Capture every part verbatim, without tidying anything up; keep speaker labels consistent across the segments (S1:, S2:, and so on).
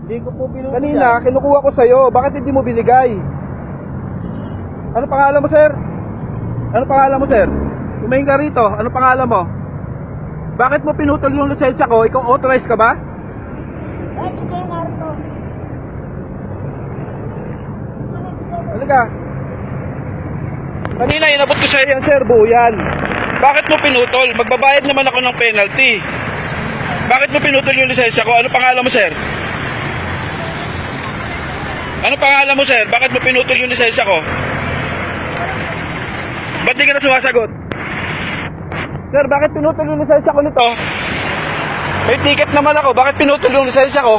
S1: Hindi ko po binukod
S2: Kanina, kinukuha ko sa'yo. Bakit hindi mo binigay? Ano pangalan mo, sir? Ano pangalan mo, sir? Tumingin ka rito. Ano pangalan mo? Bakit mo pinutol yung lisensya ko? Ikaw authorized ka ba?
S3: Eh, hindi yung narito.
S2: Halika. Kanina, inabot ko sa'yo yan, sir. Buo yan. Bakit mo pinutol? Magbabayad naman ako ng penalty. Bakit mo pinutol yung lisensya ko? Ano pangalan mo, sir? Ano pangalan mo, sir? Bakit mo pinutol yung lisensya ko? Ba't di ka na sumasagot? Sir, bakit pinutol yung lisensya ko nito? May ticket naman ako. Bakit pinutol yung lisensya ko?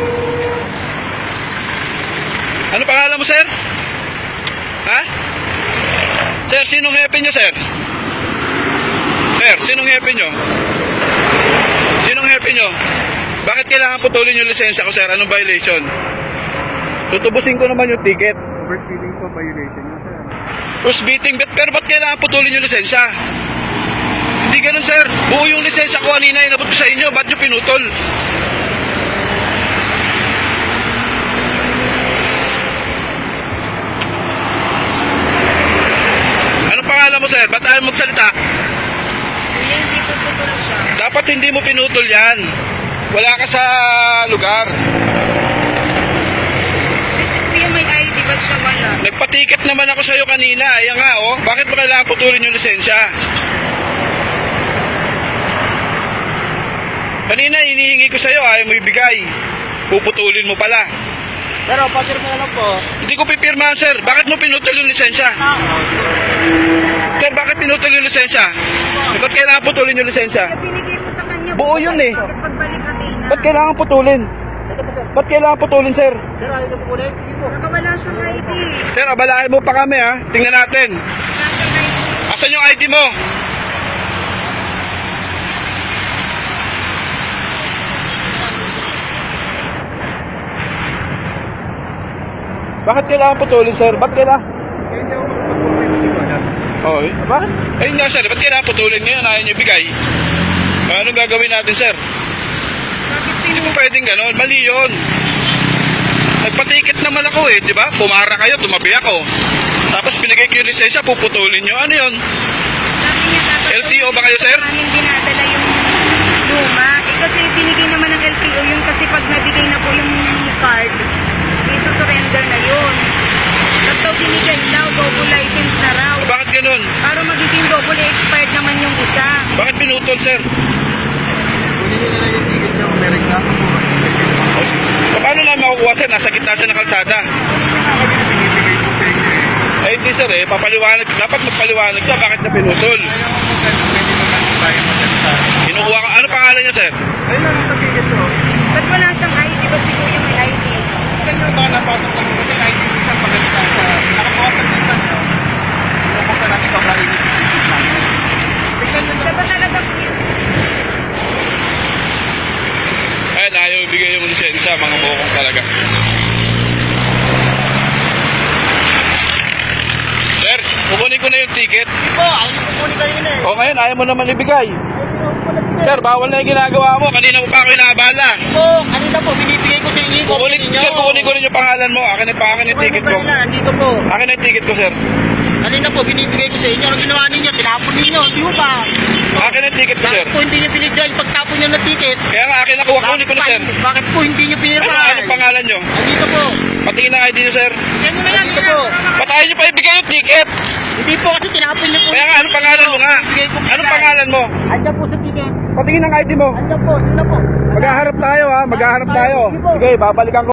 S2: Ano pangalan mo, sir? Ha? Sir, sinong hepe nyo, sir? Sir, sinong hepe nyo? Sinong hepe nyo? Bakit kailangan putulin yung lisensya ko, sir? Anong violation? Tutubusin ko naman yung ticket.
S1: Overspeeding po violation yun, sir.
S2: Push beating, but, pero ba't kailangan putulin yung lisensya? Hindi ganun, sir. Buo yung lisensya ko kanina, inabot ko sa inyo. Ba't nyo pinutol? Anong pangalan mo, sir? Ba't ayaw magsalita?
S3: Kuya, hindi po putol siya.
S2: Dapat hindi mo pinutol yan. Wala ka sa lugar.
S3: Kasi kuya, may I D, ba't siya wala?
S2: Nagpatiket naman ako sa'yo kanina. Ayan nga, oh. Bakit mo kailangan putulin yung lisensya? Kanina, hinihingi ko sa'yo. Ayaw mo ibigay. Puputulin mo pala.
S1: Pero, papirma na lang po.
S2: Hindi ko pipirmahan, sir. Bakit mo pinutol yung lisensya? Sir, bakit pinutol yung lisensya? Ba't kailangan putulin yung lisensya?
S3: Kaya binigay mo sa kanya.
S2: Buo yun eh.
S3: Pagbalik Athena.
S2: Ba't kailangan putulin? Ba't kailangan putulin, sir?
S1: Sir, ayaw niyo po ulit? Sige po.
S3: Nakawala siyang I D.
S2: Sir, abalahin mo pa kami, ha? Tingnan natin.
S3: Nasa I D.
S2: Asan yung I D mo? Bakit kailangan putulin, sir? Ba't kailangan?
S1: Kaya hindi ako makapag-provide ng liwanag.
S2: Oo, eh. Bakit? Ayun nga, sir. Ba't kailangan putulin ngayon? Ayaw niyo ibigay. Anong gagawin natin, sir?
S3: Bakit
S2: Hindi
S3: pinutol?
S2: mo pwedeng ganon. Mali yun. Nagpatikit naman ako eh, di ba? Pumara kayo, tumabi ako. Tapos binigay ko yung lisensya, puputulin nyo. Ano yun?
S3: Sabi niya dapat
S2: L T O ba kayo, sir?
S3: Namin dinadala yung luma. Eh kasi binigay naman ng L T O yun kasi pag nabigay na po yung card, may surrender na yun. Tapos daw binigay daw, double license na raw.
S2: Bakit ganon?
S3: Para magiging double expired naman yung isa.
S2: Bakit pinutol, sir?
S1: Kunin niyo na lang yung ticket niyo kung may reklamo po.
S2: O, paano namin makukuha, sir? Nasa gitna siya ng kalsada.
S1: Ako din binibigay po sa inyo eh.
S2: Ay, hindi, sir eh. Papaliwanag. Dapat magpaliwanag siya. Bakit na pinutol?
S1: Ayaw ko po, sir, pwede naman tayo magsalita.
S2: Kinukuha ka. Ano pangalan niya, sir?
S1: Ayun lang ang ticket ko.
S3: Ba't wala siyang I D? Ba't siguro yung may I D?
S1: Ganyan ba napasok lang ko din I D minsan pagkakita sa nakapawasan minsan nyo. Buksan natin sobrang init yung ticket namin. Tignan nyo
S3: Siya ba talaga yun?
S2: Ayan, ayaw ibigay yung lisensya. Mga bukong talaga. Sir, kukunin ko na yung ticket.
S1: po, ayaw nyo kukunin kayo na eh.
S2: O ngayon, ayaw mo naman ibigay. Sir, bawal na yung ginagawa mo. Kanina mo pa ako inaabala.
S1: Po, kanina po, binibigay ko sa inyo yung
S2: Kukunin,
S1: copy ninyo.
S2: sir, kukunin ko rin yung pangalan mo. Akin na pa, akin yung ticket ko.
S1: Kanina, nandito po.
S2: Akin na yung ticket ko, sir.
S1: Kanina po, binibigay ko sa inyo. Ang ginawa ninyo, tinapon ninyo. Di mo ba?
S2: Akin na yung ticket ko, sir.
S1: Bakit po hindi nyo binigay pagtapon nyo ng ticket?
S2: Kaya nga, akin na kuha. Kunin ko na, sir.
S1: Bakit po hindi nyo
S2: Ano,
S1: pinirma?
S2: anong pangalan nyo?
S1: Nandito po.
S2: Patingin ng I D nyo, sir.
S1: Yan mo na lang. Nandito po.
S2: Patayin nyo pa ibigay yung ticket.
S1: Hindi po kasi tinapon nyo po.
S2: Kaya nga, anong pangalan mo nga?
S1: Bigay ko po
S2: Anong
S1: yan.
S2: pangalan mo?
S1: Andyan po sa ticket.
S2: Patingin ng I D mo.
S1: Andyan po. Sino po?
S2: Maghaharap tayo, ha. Maghaharap tayo. Sige, babalikan ko.